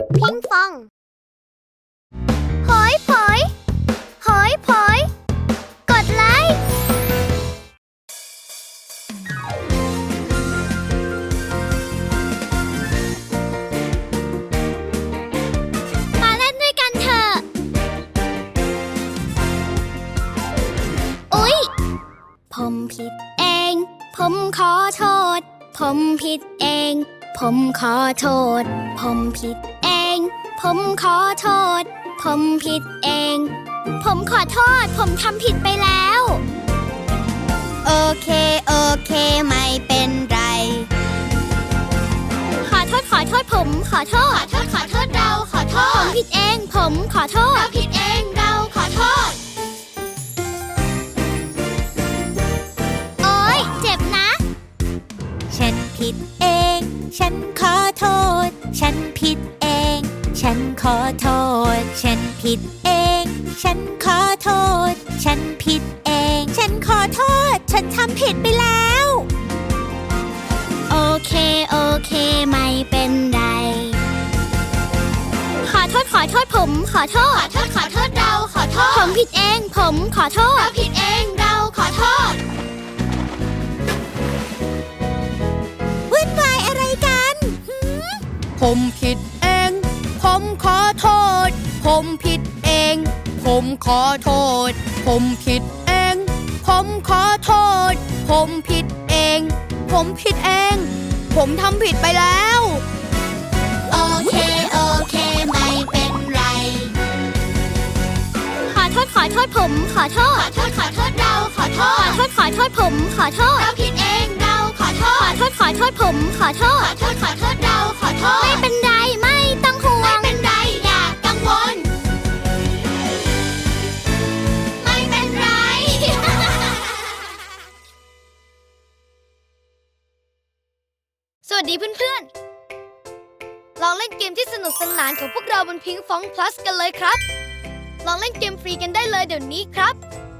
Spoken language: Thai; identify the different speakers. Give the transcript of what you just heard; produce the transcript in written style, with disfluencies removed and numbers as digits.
Speaker 1: พิงฟองหอยผอยหอยผอยกดไลค์มาเล่นด้วยกันเถอะอุ๊ยผมผิดเองผมขอโทษผมผิดเองผมขอโทษผมผิดเองผมขอโทษผมผิดเองผมขอโทษผมทำผิดไปแล้วโอเคไม่เป็นไรขอโทษผมขอโทษเราขอโทษผมผิดเองผมขอโทษเราผิดเองเราขอโทษโอ๊ยเจ็บนะ
Speaker 2: ฉันผิดเองฉันขอโทษฉันผิดเองฉันขอโทษฉันผิดเองฉันขอโทษฉันผิดเองฉันขอโทษฉันทำผิดไปแล้ว
Speaker 1: โอเคไม่เป็นไรขอโทษผมขอโทษเราขอโทษผมผิดเองผมขอโทษเราผิดเองเราขอโทษ
Speaker 2: วุ่นวายอะไรกัน
Speaker 3: ผมผิดเองผมขอโทษผมผิดเองผมขอโทษผมผิดเองผมขอโทษผมผิดเองผมผิดเองผมทำผิดไปแล้ว
Speaker 1: โอเคไม่เป็นไรขอโทษผมขอโทษเราขอโทษขอโทษผมขอโทษเราผิดเองเราขอโทษขอโทษผมขอโทษเราขอโทษไม่เป็นไรไม่ต้องห่วงไม่เป็นไรอย่ากังวลไม่เป็นไร สวัสดีเพื่อนๆลองเล่นเกมที่สนุกสนานของพวกเราบนพิงฟอง plus กันเลยครับลองเล่นเกมฟรีกันได้เลยเดี๋ยวนี้ครับ